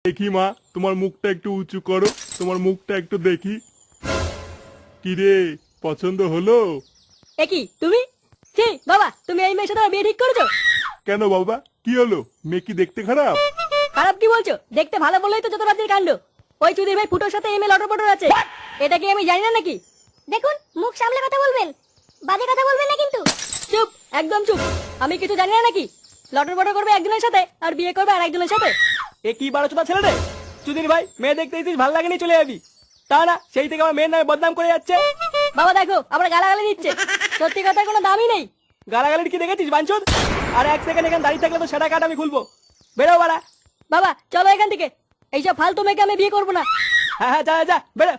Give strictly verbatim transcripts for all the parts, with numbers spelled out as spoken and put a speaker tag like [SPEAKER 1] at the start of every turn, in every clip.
[SPEAKER 1] দেখি মা, তোমার মুখটা একটু উঁচু করো, তোমার মুখটা একটু দেখি। কি রে, পছন্দ হলো?
[SPEAKER 2] এ কি তুমি? ছি বাবা, তুমি এই মেয়ের সাথে আমার বিয়ে ঠিক করেছো?
[SPEAKER 1] কেন বাবা, কি হলো? মেয়ে কি দেখতে খারাপ?
[SPEAKER 2] খারাপ কি বলছো? দেখতে ভালো বললেই তো যত রাজ্যের কাণ্ড। ওই চুদির ভাই ফুটোর সাথে এমএল অটো পটো আছে, এটা কি আমি জানি না নাকি?
[SPEAKER 3] দেখুন, মুখ সামলে কথা বলবেন, বাজে কথা বলবেন না কিন্তু।
[SPEAKER 2] চুপ, একদম চুপ। আমি কিছু জানি না নাকি? লটর পটর করবে একজনের সাথে আর বিয়ে করবে আর একজনের সাথে।
[SPEAKER 4] এ কি বারো চোদা ছেলে রে? চুদির ভাই, মেয়ে দেখতে এসেছিস, ভালো লাগেনি চলে যাবি। তা না, সেই থেকে আমার মেয়ের নামে বদনাম করে যাচ্ছে।
[SPEAKER 2] বাবা দেখো, আমরা গালাগালি দিচ্ছে, সত্যি কথার কোনো দামই নেই।
[SPEAKER 4] গালাগালির কি দেখেছিস বাঞ্চোদ? আর এক সেকেন্ড এখানে দাঁড়িয়ে থাকলে তো সেটা কাট আমি খুলবো। বেরো বাড়া।
[SPEAKER 2] বাবা চলো এখান থেকে, এইসব ফালতু মেয়েকে আমি বিয়ে করবো না।
[SPEAKER 4] হ্যাঁ হ্যাঁ, যা যা, যা বেরো।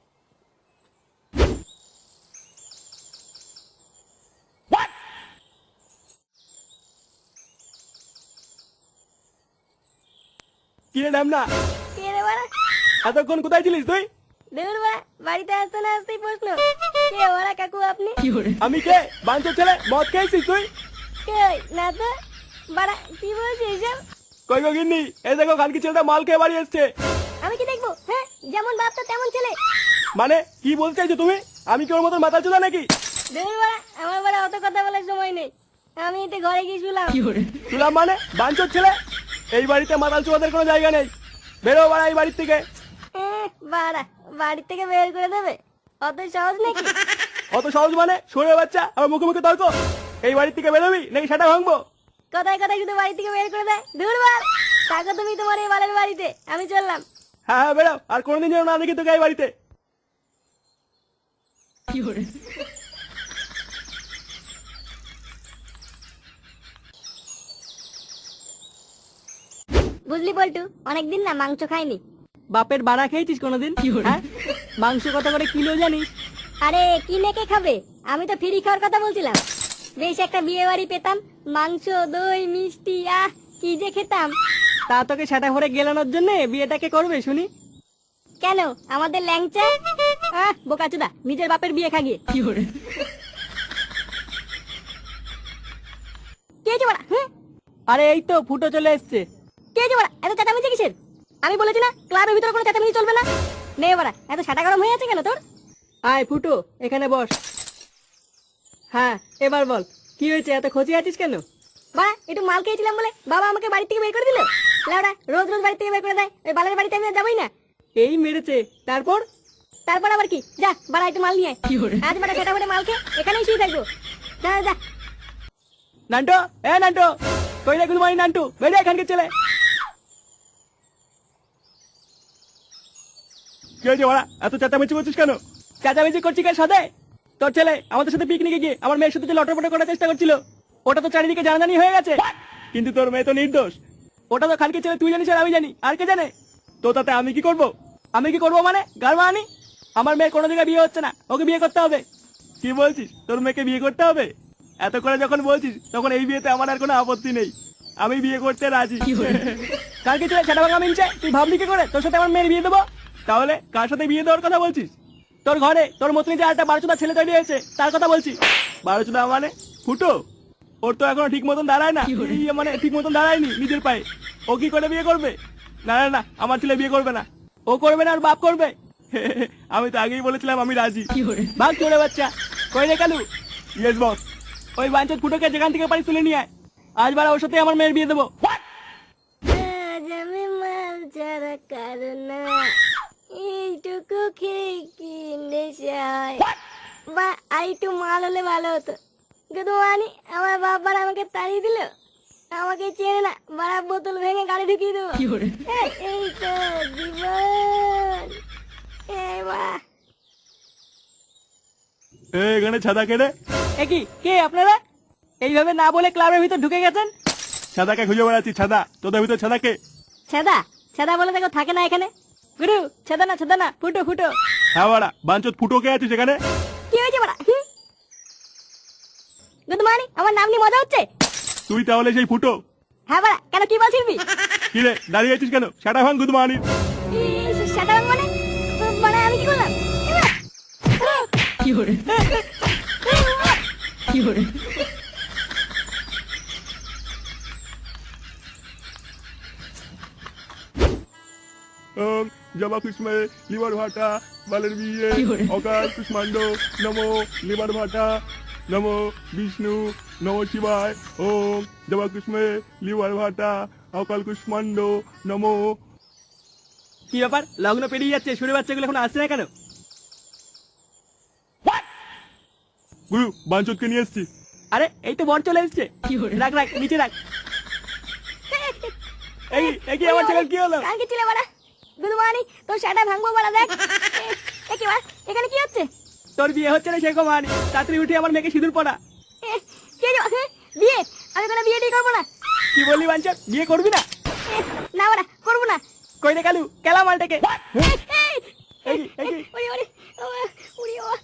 [SPEAKER 4] কিরে নাম না,
[SPEAKER 3] কে রে বাড়া?
[SPEAKER 4] এতক্ষণ কোথায় ছিলিস তুই?
[SPEAKER 3] দেখুন বাড়া, বাড়িতে আসতে না আসতেই প্রশ্ন, কে বাড়া কাকু আপনি?
[SPEAKER 4] আমি কে? বাঞ্চোদ ছেলে, মদ খেয়েছিস তুই?
[SPEAKER 3] কই না তো বাড়া, কি বলছিস এসব?
[SPEAKER 4] কই গো গিন্নি, এই দেখো খানকি ছেলেটা মাল খেয়ে বাড়ি এসছে।
[SPEAKER 3] আমি কি দেখবো? হ্যাঁ, যেমন বাপ তো তেমন ছেলে।
[SPEAKER 4] মানে কি বলতে চাইছো তুমি? আমি কি ওর মতন মাথা চোদা নাকি?
[SPEAKER 3] দেখুন বাড়া, আমার বাড়া অত কথা বলার সময় নেই, আমি একটু ঘরে গিয়ে শুলাম।
[SPEAKER 4] শুনলাম মানে? বাঞ্চোদ ছেলে, এই বাড়িতে মাতাল চোদাদের কোনো জায়গা নেই। বেরো বাড়া এই বাড়ির থেকে।
[SPEAKER 3] এহ, বাড়া, বাড়ি থেকে বের করে দেবে? অত সহজ নাকি?
[SPEAKER 4] অত সহজ মানে? সরে বাচ্চা, আমার মুখে মুখে তর্ক। এই বাড়ির থেকে বেরোবি নাকি সেটা ভাঙবো?
[SPEAKER 3] কথায় কথায় শুধু বাড়ি থেকে বের করে দেয়। দূর বাড়, থাকো তুমি তোমার এই বালের বাড়িতে, আমি চললাম।
[SPEAKER 4] হ্যাঁ হ্যাঁ বেরো, আর কোনোদিন যেন না দেখি তোকে এই বাড়িতে।
[SPEAKER 3] বুঝলি পল্টু, অনেকদিন না মাংস খাইনি।
[SPEAKER 2] বাপের বাড়া খেয়েছিস কোনোদিন? হ্যাঁ, মাংস কত করে কিলো জানিস?
[SPEAKER 3] আরে কিনে কে খাবে, আমি তো ফ্রি খাওয়ার কথা বলছিলাম। বেশ একটা বিয়ে বাড়ি পেতাম, মাংস দই মিষ্টি, আহ কি যে খেতাম।
[SPEAKER 2] তা তোকে সেটা ভরে গেলানোর জন্য বিয়েটাকে করবে শুনি?
[SPEAKER 3] কেন, আমাদের ল্যাংচা?
[SPEAKER 2] আহ বোকাচোদা, নিজের বাপের বিয়ে খাগিয়ে।
[SPEAKER 3] কে হয়েছে বাড়া? হুম,
[SPEAKER 2] আরে এই তো ফুটো চলে এসছে।
[SPEAKER 3] কে হয়েছে বাড়া? এত চেঁচামেচি কিসের? আমি বলেছি না ক্লাবের ভিতরে কোনো চেঁচামেচি চলবে না। নে বাড়া, এত সাটা গরম হয়ে আছে কেন তোর?
[SPEAKER 2] আয় ফুটো, এখানে বস। হ্যাঁ এবার বল, কি হয়েছে, এত খোঁজে আছিস কেন?
[SPEAKER 3] বাড়া, একটু মাল খেয়েছিলাম বলে বাবা আমাকে বাড়ি থেকে বের করে দিল। লেওড়া, রোজ রোজ বাড়ি থেকে বের করে দেয়, ওই বালের বাড়িতে আমি আর যাবোই না।
[SPEAKER 2] এই মেরেছে, তারপর?
[SPEAKER 3] তারপর আবার কি, যা বাড়া একটু মাল নিয়ে আয়। আজ বাড়া সেটা করে মাল খেয়ে এখানেই শুয়ে থাকবো। যা যা।
[SPEAKER 4] নান্টো, এ নান্টো, কই রে গুলমানি নান্টু, বেরিয়ে এখানকে ছেলে। কি হয়েছে ওরা, এত চেঁচামেচি করছিস কেন? চেঁচামেচি করছি কার সাথে? তোর ছেলে আমাদের সাথে পিকনিকে গিয়ে আমার মেয়ের সাথে যে লটরপট করার চেষ্টা করছিল, ওটা তো চারিদিকে জানাজানি হয়ে গেছে। কিন্তু তোর মেয়ে তো নির্দোষ। ওটা তো খানকি ছেলে, তুই জানিস আর আমি জানি, আর কে জানে? তো তাতে আমি কি করব? আমি কি করব মানে গার মানি? আমার মেয়ের কোনো জায়গায় বিয়ে হচ্ছে না, ওকে বিয়ে করতে হবে। কি বলছিস, তোর মেয়েকে বিয়ে করতে হবে? এত করে যখন বলছিস তখন এই বিয়েতে আমার আর কোনো আপত্তি নেই, আমি বিয়ে করতে রাজি। কালকে ছেলে সেটা ভাঙা মিলছে, তুই ভাবলি কি করে তোর সাথে আমার মেয়ের বিয়ে দেবো? তাহলে কার সাথে বিয়ে দেওয়ার কথা বলছিস? তোর ঘরে তোর মতনই যে একটা বারোচোদা ছেলে তৈরি হয়েছে তার কথা বলছি। বারোচোদা মানে ফুটো? ওর তো এখনো ঠিক মতন দাঁড়ায় না, ইয়ে মানে ঠিক মতন দাঁড়ায়নি নিজের পায়ে। ও কি করে বিয়ে করবে? না না না, আমার ছেলে বিয়ে করবে না। ও করবে না, আর বাপ করবে। আমি তো আগেই বলেছিলাম আমি রাজি। ভাগ চলে বাচ্চা, কই রে কালু? Yes boss. ওই বাঞ্চত ফুটোকে যেখান থেকে পারি তুলে নিয়ে আয়, আজ বারা ওর সাথে আমার মেয়ের বিয়ে দেবো।
[SPEAKER 3] আজ আমি মাল ছাড়া কারো না, এইটুকু খেয়ে কি নেশায়। বা আর একটু মাল হলে ভালো হতো, কিন্তু মানি আমার বাবার আমাকে তাড়িয়ে দিল। আমাকে চেনে না, বাড়া বোতল ভেঙে গাড়ি ঢুকিয়ে দেবো। এই, এই তো জীবন। এই বাড়া,
[SPEAKER 1] এ, এখানে ছাদা কেড়ে।
[SPEAKER 2] এ কি, কে আপনারা? এইভাবে না বলে ক্লাবের ভিতর ঢুকে গেছেন?
[SPEAKER 1] ছাদাকে খুঁজে বেড়াচ্ছি, ছাদা তোদের ভিতর ছাদাকে।
[SPEAKER 3] ছেদা ছেদা বলে দেখো থাকে না এখানে।
[SPEAKER 2] গুরু, ছেদা না ছেদা না, ফুটো ফুটো।
[SPEAKER 1] হ্যাঁ বাড়া, বাঞ্চত ফুটো কে আছিস এখানে?
[SPEAKER 3] কি হয়েছে বাড়া? গুড মর্নিং, আমার নাম নিয়ে মজা হচ্ছে?
[SPEAKER 1] তুই তাহলে সেই ফুটো?
[SPEAKER 3] হ্যাঁ বাড়া, কেন কি বলছিস?
[SPEAKER 1] কি রে দাঁড়িয়ে আছিস কেন? সেটা ভাঙ গুদ মানি।
[SPEAKER 3] সেটা মানে মানে আমি কি করলাম?
[SPEAKER 2] কি করে কি করে
[SPEAKER 1] ওং জবা কুষ্মে লিভার ভাটা বালের বিয়ে অকাল কুষ্মাণ্ড নমো লিভার ভাটা নমো বিষ্ণু নমো শিবায় ওং জবা কুষ্মে লিভার ভাটা অকাল কুষ্মাণ্ড নমো।
[SPEAKER 4] কি ব্যাপার, লগ্ন পেরিয়ে যাচ্ছে, শুনে বাচ্চাগুলো এখন আসছে না কেন?
[SPEAKER 1] গুরু বাঞ্চতকে নিয়ে এসছি।
[SPEAKER 4] আরে এই তো বর চলে এসছে। রাখ রাখ নিচে রাখ। এই এই কি আমার ছেলে কি হলো?
[SPEAKER 3] কালকে ছিলে বাড়া গুদমানি তোর শাটা ভাঙবো বাড়া দেখ এ- এ কি বাড়া এখানে কি হচ্ছে?
[SPEAKER 4] তোর বিয়ে হচ্ছে না সেরকম আর তাড়াতাড়ি উঠে আমার মেয়েকে সিঁদুর পড়া।
[SPEAKER 3] এ, কি হলো? এ, বিয়ে? আমি কোনো বিয়ে টিয়ে করবো না।
[SPEAKER 4] কি বললি বাঞ্চত, বিয়ে করবি না?
[SPEAKER 3] এ, না বাড়া করবো না।
[SPEAKER 4] কই রে কালু, কেলা মালটাকে।
[SPEAKER 3] এ, এই,
[SPEAKER 4] এই কি, এই কি?
[SPEAKER 3] ওরে ওরে ওরে ওরে ওরে।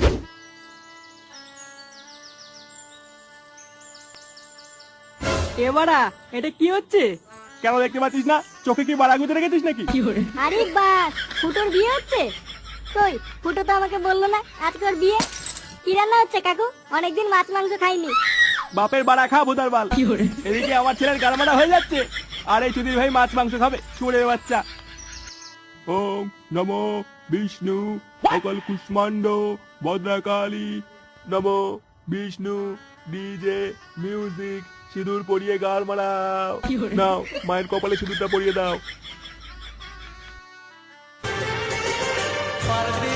[SPEAKER 4] এবারা এটা কি হচ্ছে?
[SPEAKER 1] কেন দেখতে পাচ্ছিস না? চোখে কি বাড়া গুঁজে রেখেছিস নাকি?
[SPEAKER 3] আরে বাস ফুটোর বিয়ে হচ্ছে? কই ফুটো তো আমাকে বললো না আজকে ওর বিয়ে। কি রান্না হচ্ছে কাকু? অনেকদিন মাছ মাংস খাইনি।
[SPEAKER 4] বাপের বাড়া খা ভুদার বাল। এদিকে আমার ছেলের গালমারা হয়ে যাচ্ছে, আর এই চুদির ভাই মাছ মাংস খাবে, শুয়োরের বাচ্চা।
[SPEAKER 1] ওং নমো বিষ্ণু অকাল কুষ্মাণ্ড ভদ্রাকালী নমো বিষ্ণু ডিজে মিউজিক সিঁদুর পরিয়ে গাল মারাও। নাও মায়ের কপালে সিঁদুরটা পরিয়ে দাও।